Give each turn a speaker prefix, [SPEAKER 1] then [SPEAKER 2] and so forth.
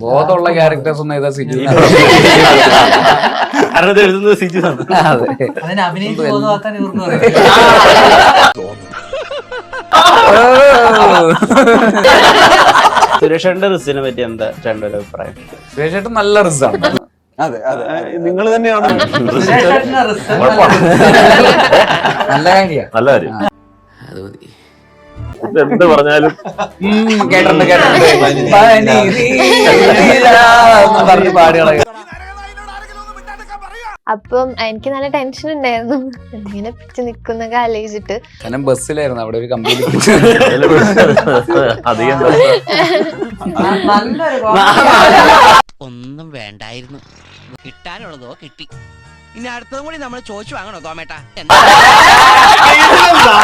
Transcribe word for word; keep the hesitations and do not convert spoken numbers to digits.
[SPEAKER 1] ബോധമുള്ള ക്യാരക്ടേഴ്സ് ഒന്നും ഏതാ സിജു
[SPEAKER 2] കാരണം എഴുതുന്നത് സിജു ആണ്.
[SPEAKER 3] അതിനെ അഭിനയിച്ച് ബോധമാക്കാൻ ഇവർക്ക് പറയാം.
[SPEAKER 2] സുരേഷേട്ടന്റെ റിസിനെ പറ്റി എന്താ ചേട്ടൻ്റെ ഒരു അഭിപ്രായം?
[SPEAKER 1] സുരേഷേട്ടൻ നല്ല റിസാണ്.
[SPEAKER 4] അതെ അതെ നിങ്ങൾ തന്നെയാണ്
[SPEAKER 3] സുരേഷേട്ടന്റെ റിസൾട്ട്
[SPEAKER 1] നല്ല കാര്യം
[SPEAKER 2] നല്ല കാര്യം.
[SPEAKER 1] അത് മതി.
[SPEAKER 2] എന്ത് പറഞ്ഞാലും
[SPEAKER 1] കേട്ടിട്ടുണ്ട് കേട്ടിട്ടുണ്ട് പറഞ്ഞ് പാടുകളെ.
[SPEAKER 5] അപ്പം എനിക്ക് നല്ല ടെൻഷൻ ഉണ്ടായിരുന്നു ഇങ്ങനെ പിടിച്ച് നിക്കുന്നൊക്കെ ആലോചിച്ചിട്ട്.
[SPEAKER 1] ഞാൻ ബസ്സിലായിരുന്നു അവിടെ ഒരു കമ്പനി
[SPEAKER 2] അധികം
[SPEAKER 3] നല്ലൊരു
[SPEAKER 6] ഒന്നും വേണ്ടായിരുന്നു, കിട്ടാനുള്ളതോ കിട്ടി. ഇനി അടുത്തതും കൂടി നമ്മൾ ചോദിച്ചു വാങ്ങണോ തോമേട്ടാ?